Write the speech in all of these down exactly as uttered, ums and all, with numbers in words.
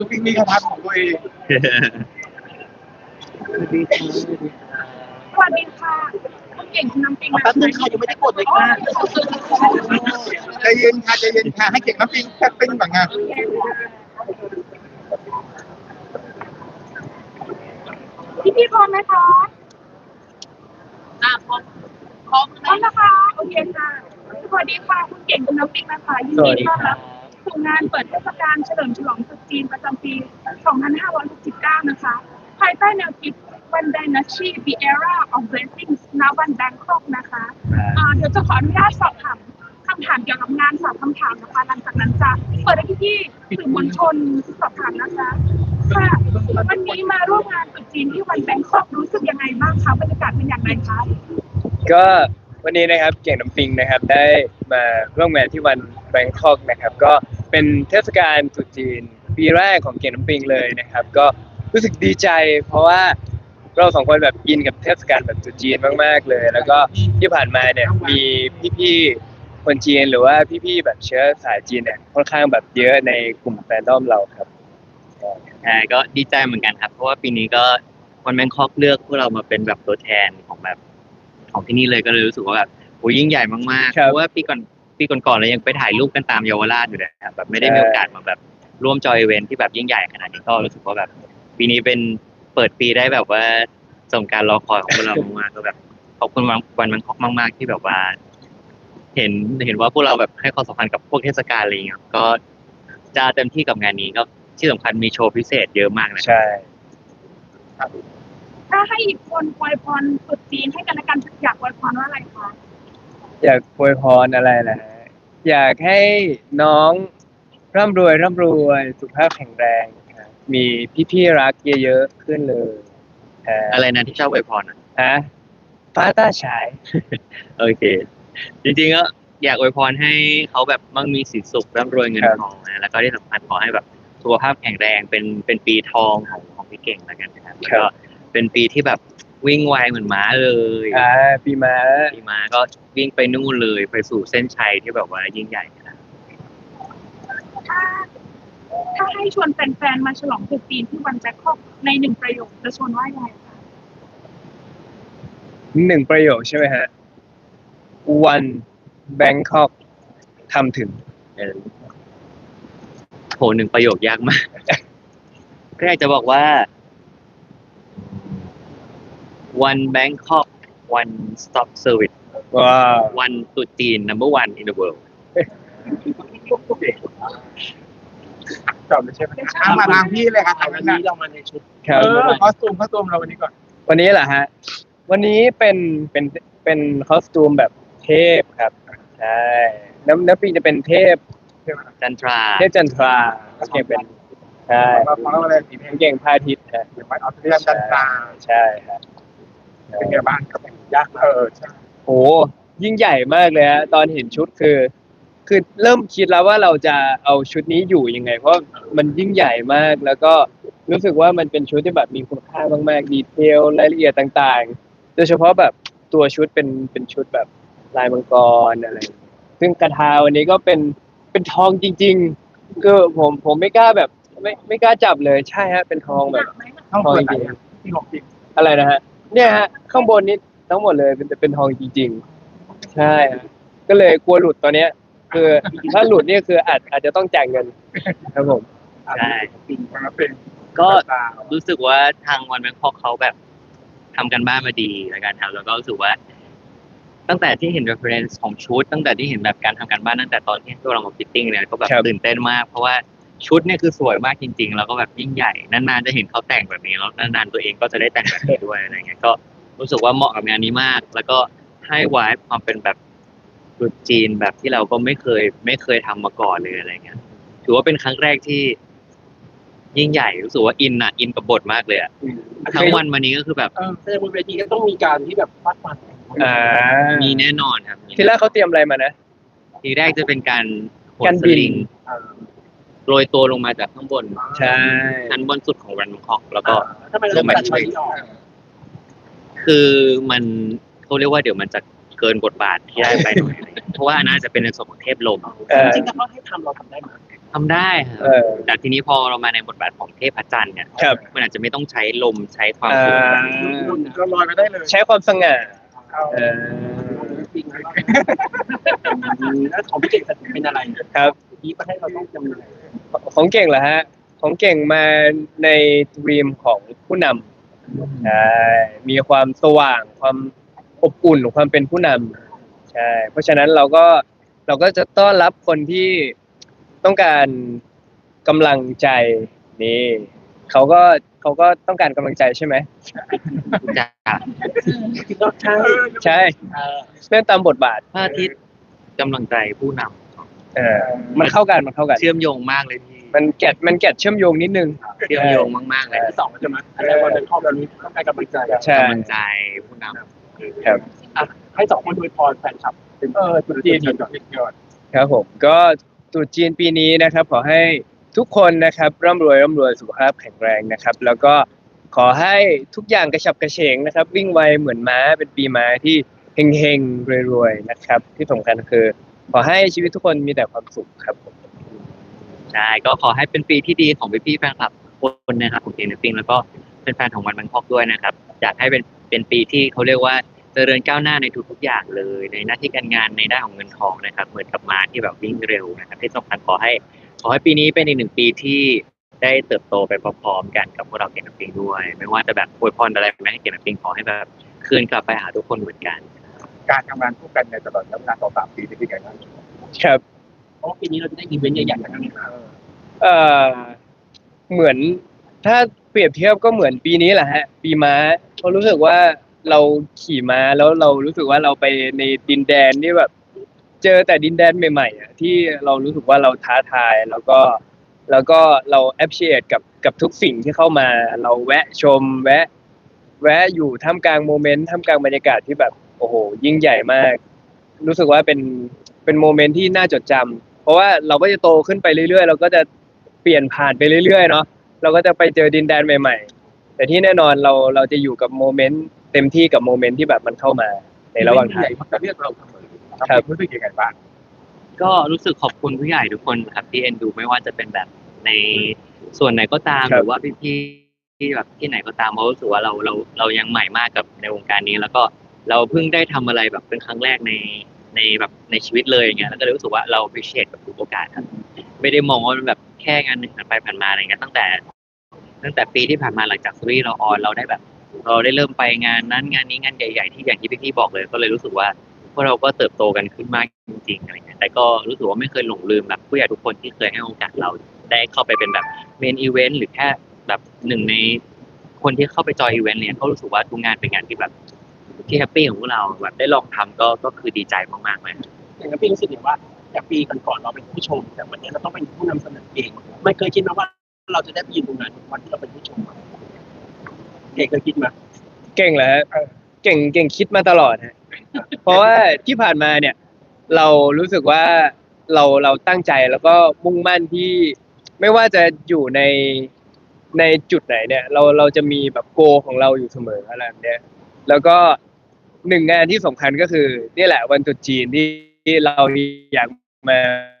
ทุกทีมีคาถาของตัวเองสวัสดีค่ะคุณเก่งคุณน้ำปิงแป๊บนึงค่ะยังไม่ได้กดเลยค่ะใจเย็นค่ะใจเย็นค่ะให้เก่งน้ำปิงแป๊บนึงก่อนงานพี่พี่พร้อมไหมคะอ่าพร้อมพร้อมพร้อมนะคะโอเคค่ะสวัสดีค่ะคุณเก่งคุณน้ำปิงนะคะยินดีต้อนรับสู่งานเปิดเทศกาลเฉลิมฉลองตรุษจีนประจำปี สองพันห้าร้อยหกสิบเก้า นะคะภายใต้แนวคิด One Dynasty The Era of Blessings ณ วันแบงคอกนะคะอ่าเดี๋ยวจะขออนุญาตสอบถามคำถามเกี่ยวกับงานสามคำถามนะคะหลังจากนั้นจะเปิดให้พี่ๆสื่อมวลชนสอบถามนะคะค่ะวันนี้มาร่วมงานตรุษจีนที่วันแบงคอกรู้สึกยังไงบ้างคะบรรยากาศเป็นอย่างไรคะก็วันนี้นะครับเก่งน้ำปิงนะครับได้มาร่วมงานที่วันแบงคอกนะครับก็เป็นเทศกาลตรุษจีนปีแรกของเก่งน้ำปิงเลยนะครับก็รู้สึกดีใจเพราะว่าเราสองคนแบบอินกับเทศกาลแบบตรุษจีนมากๆเลยแล้วก็ที่ผ่านมาเนี่ยมีพี่ๆคนจีนหรือว่าพี่ๆแบบเชื้อสายจีนเนี่ยค่อนข้างแบบเยอะในกลุ่มแฟนดอมเราครับใช่ก็ดีใจเหมือนกันครับเพราะว่าปีนี้ก็วันแบงคอกเลือกพวกเรามาเป็นแบบตัวแทนของแบบของที่นี่เลยก็เลยรู้สึกว่าแบบโหยิ่งใหญ่มากๆเพราะว่าปีก่อนปีก่อนๆเรายังไปถ่ายรูปกันตามเยาวราชอยู่เลยครับแบบไม่ได้มีโอกาสมาแบบร่วมจอยอีเวนท์ที่แบบยิ่งใหญ่ขนาดนี้ก็รู้สึกว่าแบบปีนี้เป็นเปิดปีได้แบบว่าสมการรอคอยของพวกเรามากๆก็แบบขอบคุณวันแบงคอกมากๆที่แบบว่า เห็นเห็นว่าพวกเราแบบให้ความสำคัญกับพวกเทศกาลอะไรอย่างเงี้ยก็จะเต็มที่กับงานนี้ก็ที่สำคัญมีโชว์พิเศษเยอะมากนะใช่ถ้าให้อีกคนอวยพรตรุษจีนให้กันและกันอยากอวยพรว่าอะไรคะอยากอวยพรอะไรนะฮะอยากให้น้องร่ำรวยร่ำรวยสุขภาพแข็งแรงครับมีพี่ๆรักเยอะๆขึ้นเลยอะไรนะที่ชอบอวยพรอ่ะฮะฟ้าต้าฉายโอเคจริงๆก็อยากอวยพรให้เขาแบบมั่งมีสีสุขร่ำรวยเงินทองนะแล้วก็ที่สำคัญขอให้แบบสุขภาพแข็งแรงเป็นเป็นปีทองของของพี่เก่งแล้วกันนะครับแล้วก็เป็นปีที่แบบวิ่งไวเหมือนม้าเลยอ่าปีม้าปีม้าก็วิ่งไปนู่นเลยไปสู่เส้นชัยที่แบบว่ายิ่งใหญ่นะถ้าถ้าให้ชวนแฟนๆมาฉลองตรุษจีนที่วันแบงคอกในหนึ่งประโยคจะชวนว่ายังไงคะหนึ่งประโยคใช่ไหมฮะวันแบงคอกทำถึงโหหนึ่งประโยคยากมากก็อยากจะบอกว่า one Bangkok one stop service ว้าว one ตรุษจีน number one in the world จบเลยใช่ไหมมาทางพี่เลยครับวันนี้เรามาในชุดเออคอสตูมคอสตูมเราวันนี้ก่อนวันนี้เหรอฮะวันนี้เป็นเป็นเป็นคอสตูมแบบเทพครับใช่น้ำน้ำปิงจะเป็นเทพจันทราเทพจันทราเก่งเป็นใช่เพราะอะไรสีเก่งพระอาทิตย์ฮะเก่งพระอาทิตย์จันทราใช่ครับเป็นไงบ้างครับยากเออใช่โหยิ่งใหญ่มากเลยฮะตอนเห็นชุดคือคือเริ่มคิดแล้วว่าเราจะเอาชุดนี้อยู่ยังไงเพราะมันยิ่งใหญ่มากแล้วก็รู้สึกว่ามันเป็นชุดที่แบบมีคุณค่ามากๆดีเทลรายละเอียดต่างๆโดยเฉพาะแบบตัวชุดเป็นเป็นชุดแบบลายมังกรอะไรซึ่งกระทาวันนี้ก็เป็นเป็นทองจริงๆคือผมผมไม่กล้าแบบไม่ไม่กล้าจับเลยใช่ฮะเป็นทองแบบทองจริงที่ของจริงอะไรนะฮะเนี่ยฮะข้างบนนี้ทั้งหมดเลยเป็นเป็นทองจริงๆใช่ก็เลยกลัวหลุดตอนเนี้ยคือถ้าหลุดนี่คืออาจอาจจะต้องจ่ายเงินครับผมใช่ปีมาเป็นก็รู้สึกว่าทางวันแบงคอกเขาแบบทำกันบ้านมาดีแล้วกันครับแล้วก็รู้สึกว่าตั้งแต่ที่เห็น reference ของชุดตั้งแต่ที่เห็นแบบการทำการบ้านตั้งแต่ตอนที่พวกเรามาฟิตติ้งเนี่ยก็แบบตื่นเต้นมากเพราะว่าชุดเนี่ยคือสวยมากจริงๆแล้วก็แบบยิ่งใหญ่นานๆจะเห็นเขาแต่งแบบนี้แล้วนานๆตัวเองก็จะได้แต่งแบบนี้ด้วยอะไรเงี้ยก็รู้สึกว่าเหมาะกับงานนี้มากแล้วก็ให้ไวบ์ความเป็นแบบตรุษจีนแบบที่เราก็ไม่เคยไม่เคยทำมาก่อนเลยอะไรเงี้ยถือว่าเป็นครั้งแรกที่ยิ่งใหญ่รู้สึกว่าอินอ่ะอินกับบทมากเลยอ่ะทั้งวันวันนี้ก็คือแบบแสดงบนเวทีก็ต้องมีการที่แบบฟาดฟันอ่ามีแน่นอนครับทีแรกเขาเตรียมอะไรมานะทีแรกจะเป็นการการบินโรยตัวลงมาจากข้างบนใช่ชั้นบนสุดของแบงคอกแล้วก็ลงมาช่วยคือมันเขาเรียกว่าเดี๋ยวมันจะเกินบทบาทที่ได้ไปหน่อยเพราะว่าน่าจะเป็นในส่วนของเทพลมจริงๆถ้าเขาให้ทำเราทำได้ไหมทำได้ครัเอบ อแต่ทีนี้พอเรามาในบทบาทของเทพจันทร์เนี่ยครับมันอาจจะไม่ต้องใช้ลมใช้ความอ่าสูงเราลอยไปได้เลยใช้ความสง่าเอาเออจริงแล้วแล้วของพี่เก่งเป็นอะไรครับพี่ก็ให้เราต้องจำเลยของเก่งเหรอฮะ ของเก่งมาในดรีมของผู้นำใช่มีความสว่าง ความอบอุ่นความเป็นผู้นำใช่ เพราะฉะนั้นเราก็เราก็จะต้อนรับคนที่ต้องการกำลังใจนี่เขาก็เขาก็ต้องการกำลังใจใช่ไหมจะก็ใช่ใช่เออเล่นตามบทบาทพระอาทิตย์กำลังใจผู้นเออมันเข้ากันมันเข้ากันำเชื่อมโยงมากเลยพี่มันแกะมันแกะเชื่อมโยงนิดนึงเชื่อมโยงมากๆเลยที่สองใช่ไหมอันแรกวันเป็นข้อแบบนี้ต้องการกำลังใจอะใช่กำลังใจผู้นำครับอ่ะให้สองคนอวยพรแฟนคลับเป็นเออจุดจีนก่อนครับผมก็ตรุษจีนปีนี้นะครับ ขอให้ทุกคนนะครับร่ำรวยร่ำรวยสุขภาพแข็งแรงนะครับ แล้วก็ขอให้ทุกอย่างกระฉับกระเฉงนะครับ วิ่งไวเหมือนม้าเป็นปีม้าที่เฮงๆรวยๆนะครับ ที่สำคัญคือ ขอให้ชีวิตทุกคนมีแต่ความสุขครับผมใช่ก็ขอให้เป็นปีที่ดีของพี่ๆแฟนคลับทุกคนนะครับของเกมเนปปิ้งแล้วก็เป็นแฟนของวันบังคอกด้วยนะครับอยากให้เป็นเป็นปีที่เขาเรียกว่าเจริญก้าวหน้าในทุกๆอย่างเลย ในหน้าที่การงานในด้านของเงินทองนะครับเหมือนกับม้าที่แบบวิ่งเร็วนะครับที่สำคัญขอให้ ขอให้ปีนี้เป็นอีกหนึ่งปีที่ได้เติบโตไปพร้อมๆกันกับพวกเราเกมเนปปิ้งด้วย ไม่ว่าจะแบบอวยพรอะไรแม้ให้เกมเนปปิ้งขอให้แบบคืนกลับไปหาทุกคนเหมือนกันการทำงานคู่กันในตลอดระยะเวลาต่อสามปีนี่เป็นไงบ้างครับเพราะปีนี้เราจะได้อีเวนต์ใหญ่ๆอย่างนี้เอ่อเหมือนถ้าเปรียบเทียบก็เหมือนปีนี้แหละฮะ ปีม้าเพราะรู้สึกว่าเราขี่ม้าแล้วเรารู้สึกว่าเราไปในดินแดนที่แบบ เจอแต่ดินแดนใหม่ๆอ่ะที่เรารู้สึกว่าเราท้าทายแล้วก็แล้วก็เรา appreciate กับกับทุกสิ่งที่เข้ามา เราแวะชม แวะ แวะอยู่ท่ามกลางโมเมนต์ท่ามกลางบรรยากาศที่แบบโอ้โหยิ่งใหญ่มาก รู้สึกว่าเป็นเป็นโมเมนต์ที่น่าจดจำเพราะว่าเราก็จะโตขึ้นไปเรื่อยๆเราก็จะเปลี่ยนผ่านไปเรื่อยๆเนาะเราก็จะไปเจอดินแดนใหม่ๆ แต่ที่แน่นอนเราเราจะอยู่กับโมเมนต์เต็มที่กับโมเมนต์ที่แบบมันเข้ามาในระหว่างทางเขาจะเรียกเราเสมอครับรู้สึกยังไงบ้างก็รู้สึกขอบคุณผู้ใหญ่ทุกคนครับที่เอ็นดูไม่ว่าจะเป็นแบบในส่วนไหนก็ตามครัหบรือว่าพี่ๆที่แบบที่ไหนก็ตามเพราะรู้สึกว่าเราเราเรายังใหม่มากกับในวงการนี้ แล้วก็เราเพิ่งได้ทำอะไรแบบเป็นครั้งแรกในในแบบในชีวิตเลยอย่างเงี้ยแล้วก็เลยรู้สึกว่าเรา appreciate กับทุกโอกาสครับไม่ได้มองว่ามันแบบแค่งานหนึ่งผ่านไปผ่านมาอะไรเงี้ยตั้งแต่ ตั้งแต่ปีที่ผ่านมาหลังจากซีรีส์เราออนเราได้แบบ เราได้เริ่มไปงานนั้นงานนี้งานใหญ่ๆที่อย่างที่พี่ๆบอกเลยก็เลยรู้สึกว่าพวกเราก็เติบโตกันขึ้นมากจริงๆอะไรเงี้ยแต่ก็รู้สึกว่าไม่เคยหลงลืมแบบผู้ใหญ่ทุกคนที่เคยให้โอกาสเราได้เข้าไปเป็นแบบเมนอีเวนต์หรือแค่แบบหนึ่งในคนที่เข้าไปจอยอีเวนต์เนี่ยก็รู้สึกว่าทุกงานเป็นงานที่แบบที่แฮปปี้ของพวกเราแบบได้ลองทำก็ก็คือดีใจมากๆเลยอย่างนั้นพี่รู้สึกอย่างว่าจากปีก่อนๆเราเป็นผู้ชม แต่วันนี้เราต้องเป็นผู้นำเสนอเองไม่เคยคิดนะว่าเราจะได้ไปยืนตรงนั้นวันที่เราเป็นผู้ชมอะเด็กเคยคิดไหมเก่งเหรอฮะเก่งเก่งคิดมาตลอดฮะ เพราะว่าที่ผ่านมาเนี่ย เรารู้สึกว่าเราเราตั้งใจแล้วก็มุ่งมั่นที่ไม่ว่าจะอยู่ในในจุดไหนเนี่ย เราเราจะมีแบบโกของเราอยู่เสมออะไรแบบเนี้ยแล้วก็หนึ่งงานที่สำคัญก็คือนี่แหละวันตรุษจีนที่ที่เราอยากมา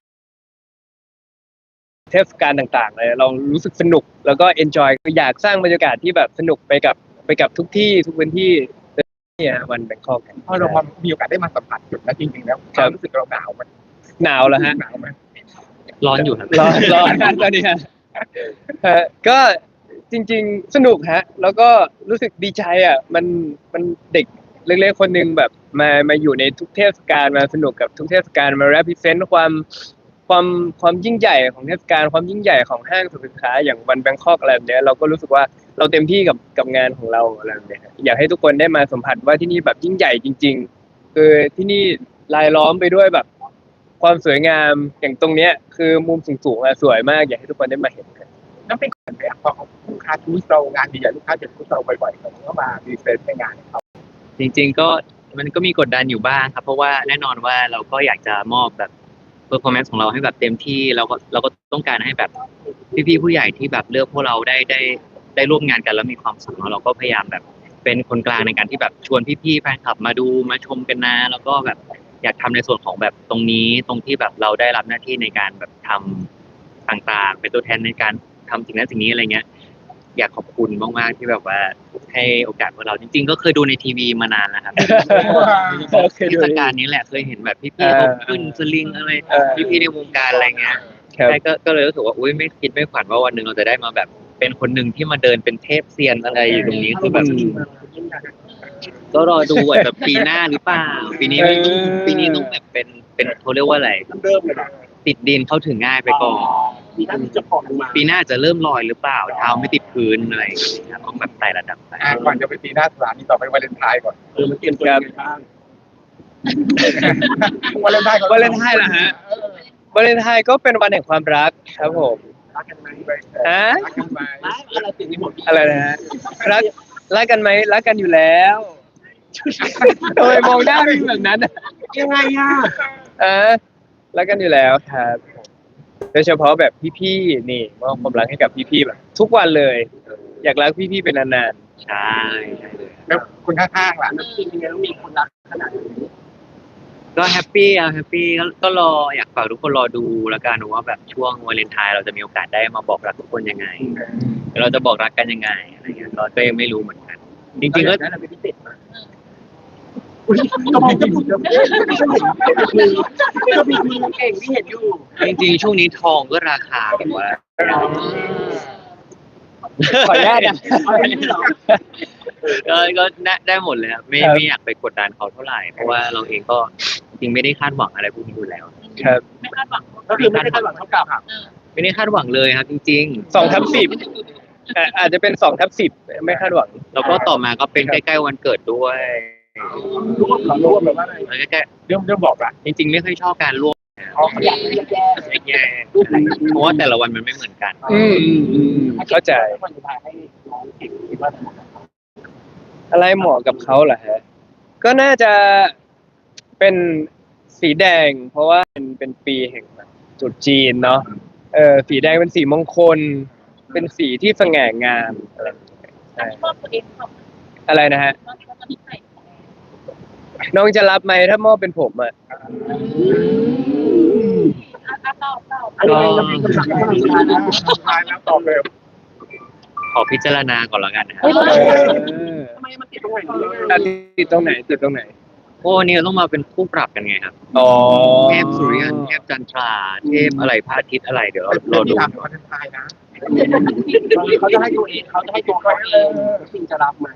เทศกาลต่างๆเลยเรารู้สึกสนุกแล้วก็ enjoy อยากสร้างบรรยากาศที่แบบสนุกไปกับไปกับทุกที่ทุกพื้นที่เนี่ยวันแบงคอกพอเรามามีโอกาสได้มาสัมผัสจุดนั้นจริงๆแล้วความรู้สึกเราหนาวไหมหนาวแล้วฮะหนาวไหมร้อนอยู่ครับร้อนร้อนตอนนี้ฮะฮะก็จริงๆสนุกฮะ แล้วก็รู้สึกดีใจอ่ะ มันมันเด็กเล็กๆคนหนึ่งแบบมามาอยู่ในทุกเทศกาลมาสนุกกับทุกเทศกาลมา represent ความความความยิ่งใหญ่ของเทศกาลความยิ่งใหญ่ของห้างสรรพสินค้าอย่างวันแบงคอกอะไรแบบเนี้ยเราก็รู้สึกว่าเราเต็มที่กับกับงานของเราอะไรแบบเนี้ยอยากให้ทุกคนได้มาสัมผัสว่าที่นี่แบบยิ่งใหญ่จริง ๆ คือที่นี่รายล้อมไปด้วยแบบความสวยงามอย่างตรงเนี้ยคือมุมสูงๆอ่ะสวยมากอยากให้ทุกคนได้มาเห็นกันนั่นเป็นคนแบบพอลูกค้าทูสเรางานใหญ่ๆลูกค้าจะทูสเราบ่อยๆเขาก็มาดีเซนต์ในงานเขาจริงๆก็มันก็มีกดดันอยู่บ้างครับ เพราะว่าแน่นอนว่าเราก็อยากจะมอบแบบ performance ของเราให้แบบเต็มที่เราก็เราก็ต้องการให้แบบพี่ๆผู้ใหญ่ที่แบบเลือกพวกเราได้ได้ได้ร่วมงานกันแล้วมีความสุขเนอะเราก็พยายามแบบเป็นคนกลางในการที่แบบชวนพี่ๆแฟนคลับมาดูมาชมกันนะแล้วก็แบบอยากทำในส่วนของแบบตรงนี้ตรงที่แบบเราได้รับหน้าที่ในการแบบทำต่างๆ เป็นตัวแทนในการทำสิ่งนั้นสิ่งนี้อะไรเงี้ย อยากขอบคุณมากๆที่แบบว่าให้โอกาสพวกเราจริงๆ ก็เคยดูในทีวีมานานแล้วครับเคยดูเทศกาลนี้แหละเคยเห็นแบบพี่ๆเขาขึ้นสลิงอะไรเออพี่ๆในวงการอะไรเงี้ยครับใช่ก็ก็เลยรู้สึกว่าอุ้ยไม่คิดไม่ฝันว่าวันหนึ่งเราจะได้มาแบบเป็นคนหนึ่งที่มาเดินเป็นเทพเซียนอะไรอยู่ตรงนี้คือแบบ ก็รอดูอาจจะปีหน้าหรือเปล่า ปีนี้ไม่ต้องเออปีนี้ต้องแบบเป็นเป็นเขาเรียกว่าอะไรเริ่มเลยนะติดดินเข้าถึงง่ายไปก่อนมีท่านที่จะปลอมลงมาปีหน้าจะเริ่มลอยหรือเปล่าเท้าไม่ติดพื้นอะไรอย่างเงี้ยครับต้องแบบไต่ระดับไปอ่ะก่อนจะไปปีหน้าสถานีต่อไปวาเลนไทน์ก่อนเออมันเตรียมตัวยังไงบ้างวาเลนไทน์ก่อนวาเลนไทน์เหรอฮะ วาเลนไทน์ก็เป็นวันแห่งความรักครับผมรักกันไหมฮะรักกันไหมรักอะไรติดในหมดอะไรนะฮะรักรักกันไหมรักกันอยู่แล้วทำไมมองหน้าพี่แบบนั้นอะยังไงอ่ะอ่ะรักกันอยู่แล้วครับโดยเฉพาะแบบพี่ๆนี่มอบความรักให้กับพี่ๆแบบ ทุกวันเลย อยากรักพี่ๆเป็นนานใช่ใช่เลยแล้วคุณข้างๆล่ะน้ำจริงยังไงต้องมีคนรักขนาดนี้ก็แฮปปี้อะแฮปปี้ก็ก็รออยากฝากทุกคนรอดูแล้วกันว่าแบบช่วงวาเลนไทน์เราจะมีโอกาสได้มาบอกรักทุกคนยังไงเราจะบอกรักกันยังไงอะไรเงี้ยก็ก็ยังไม่รู้เหมือนกัน จริงๆก็ได้อะไรเป็นพิเศษมาอุ้ยก็มองจะพูดจะพูดก็มีมีเก่งที่เห็นอยู่จริงๆช่วงนี้ทองก็ราคาแบบว่าๆขออนุญาตนะอะไรนี่เหรอก็ก็ได้ได้หมดเลยครับไม่ครับไม่อยากไปกดดันเขาเท่าไหร่เพราะว่าเราเองก็จริงๆไม่ได้คาดหวังอะไรพวกนี้อยู่แล้วครับไม่คาดหวังก็คือไม่ได้คาดหวังเท่ากับไม่ได้คาดหวังเลยครับ จริงสองทับสิบอ่ะอาจจะเป็นสองทับสิบไม่คาดหวังๆ แล้วก็ต่อมาก็เป็นใกล้ๆวันเกิดด้วยร่วมกับร่วมแบบว่าอะไรแล้วใกล้เรื่องเรื่องบอกละๆจริง ๆ ไม่ค่อยชอบการร่วมอ๋อเขาอยากให้แย่แย่ๆอะไรเพราะว่าแต่ละวันมันไม่เหมือนกันอืมอืมอืมเข้าใจวันสุดท้ายให้น้องเก่งคิดว่าอะไรเหมาะกับเขาเหรอฮะ ก็น่าจะเป็นสีแดง เพราะว่าเป็นเป็นปีแห่งแบบตรุษจีนเนาะ เออสีแดงเป็นสีมงคล เป็นสีที่สง่างามอะไรอย่างเงี้ยใช่ชอบตัวเองชอบอะไรนะฮะน้องเขาจะมีใครน้องจะรับไหมถ้ามอบเป็นผมอ่ะอ่ะอ่ะตอบตอบอันนี้เป็นคำสั่งที่สุดท้ายนะสุดท้ายแล้วตอบเลยขอพิจารณาก่อนแล้วกันนะครับเออทำไมมันติดตรงไหนอ่ะติดตรงไหนติดตรงไหนเพราะวันนี้เราต้องมาเป็นคู่ปรับกันไงครับอ๋อเทพสุริยันเทพจันทราเทพอะไรพระอาทิตย์อะไรเดี๋ยวเราเป็นเราเรื่องดูที่ทำวาเลนไทน์นะเขาจะให้ตัวเองเขาจะให้ตัวเขาเองจริงจะรับไหม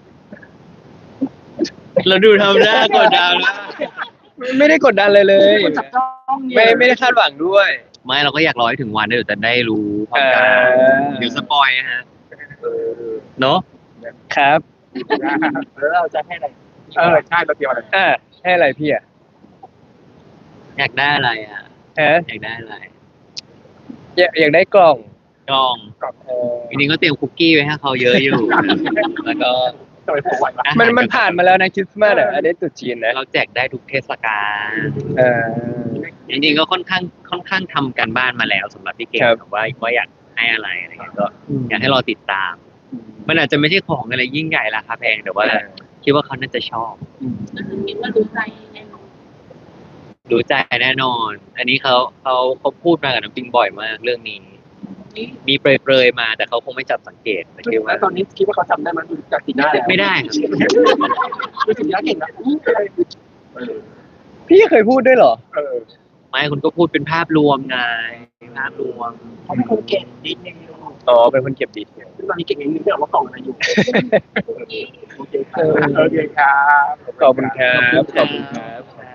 เราดูทำหน้ากดดันนะไม่ได้กดดันเลยเลยคนจับจ้องเนี่ยไม่ไม่ได้คาดหวังด้วยไม่เราก็อยากรอให้ถึงวันเดี๋ยวจะได้รู้พร้อมกันอ่าเดี๋ยวสปอยนะฮะเนาะครับแล้วเราจะให้อะไรเออใช่เราเตรียมอะไรอ่าให้อะไรพี่อ่ะอยากได้อะไรอ่ะฮะอยากได้อะไรอยากอยากได้กล่องกล่องเออจริงๆก็เตรียมคุกกี้ไว้ให้เขาเยอะอยู่ แล้วก็จะไปผูกไว้ปะอาหารมันมันผ่านมาแล้วนะคริสต์มาสอ่ะอันนี้ตรุษจีนนะเราแจกได้ทุกเทศกาลเออจริงๆก็ค่อนข้างค่อนข้างทำการบ้านมาแล้วสำหรับพี่เก่งครับแบบว่าว่าอยากให้อะไรอะไรเงี้ยก็อยากให้รอติดตาม มันอาจจะไม่ใช่ของอะไรยิ่งใหญ่ราคาแพงแต่ว่าคิดว่าเขาน่าจะชอบคิดว่ารู้ใจแน่นอนรู้ใจแน่นอน อันนี้เขาเขาเขาพูดมากับน้ำปิงบ่อยมากเรื่องนี้ มีเปรยๆมาแต่เขาคงไม่จับสังเกตแต่คิดว่าตอนนี้คิดว่าเขาจำได้ไหมดูจากสีหน้าแล้วไม่ได้ครับดูสีหน้าเก่งนะพี่เคยพูดด้วยเหรอเออไม่คุณก็พูดเป็นภาพรวมไงภาพรวมเขาเป็นคนเก่งดีเองอ๋อเป็นคนเก็บดีเทลตอนนี้เก่งเองนึกไม่ออกว่ากล่องอะไรอยู่โอเคคเอรับอโอเคครับขอบคุณครับขอบคุณครับ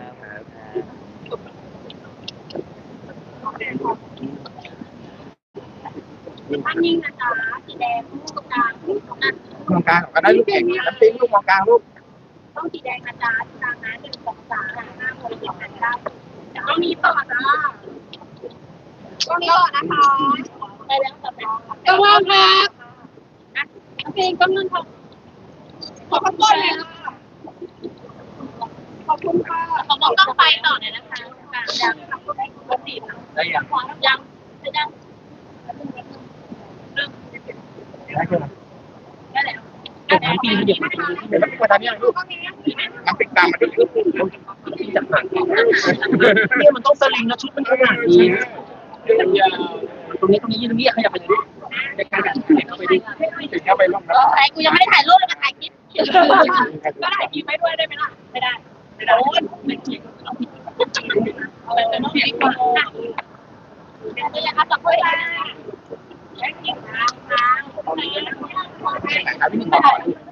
ท่านนิ่งนะจ๊ะสีแดงลูกกลางลูกตรงนั้นมองกลางก็ได้ลูกเก่งน้ำปิ้งลูกมองกลางลูกต้องสีแดงนะจ๊ะตามนั้นหนึ่งสองสามห้าหกเจ็ดแปดเก้าต้องมีต่อจ้าต้องมีต่อนะคะไปแล้วต่อไปก็ว่าครับน้ำเพลงก็นึงค่ะขอบคุณเลยขอบคุณค่ะเขาบอกต้องไปต่อเลยนะคะยังทำได้ปกติได้ยังยังไม่ได้เริ่มได้ยังได้แล้วน้ำปีเดี๋ยวเดี๋ยวมาทำยังลูกน้ำปิ้งตามมาด้วยจากหนังเนี่ยมันต้องสลิงนะชุดมันขนาดนี้ยาวตรงนี้ตรงนี้ยืนตรงนี้ขยับไปเลยในการแบบเข้าไปดิถึงเข้าไปร่วมเออไอ้กูยังไม่ได้ถ่ายรูปเลยมาถ่ายคลิปก็ถ่ายคลิปไว้ด้วยได้ไหมล่ะไม่ได้ไม่ได้โอ้ยไม่เกี่ยวเอาไปเลยน้องพี่ก่อนนี่แหละครับขอบคุณค่ะแค่กินน้ำน้ำนะครับพี่หนึ่งก่อน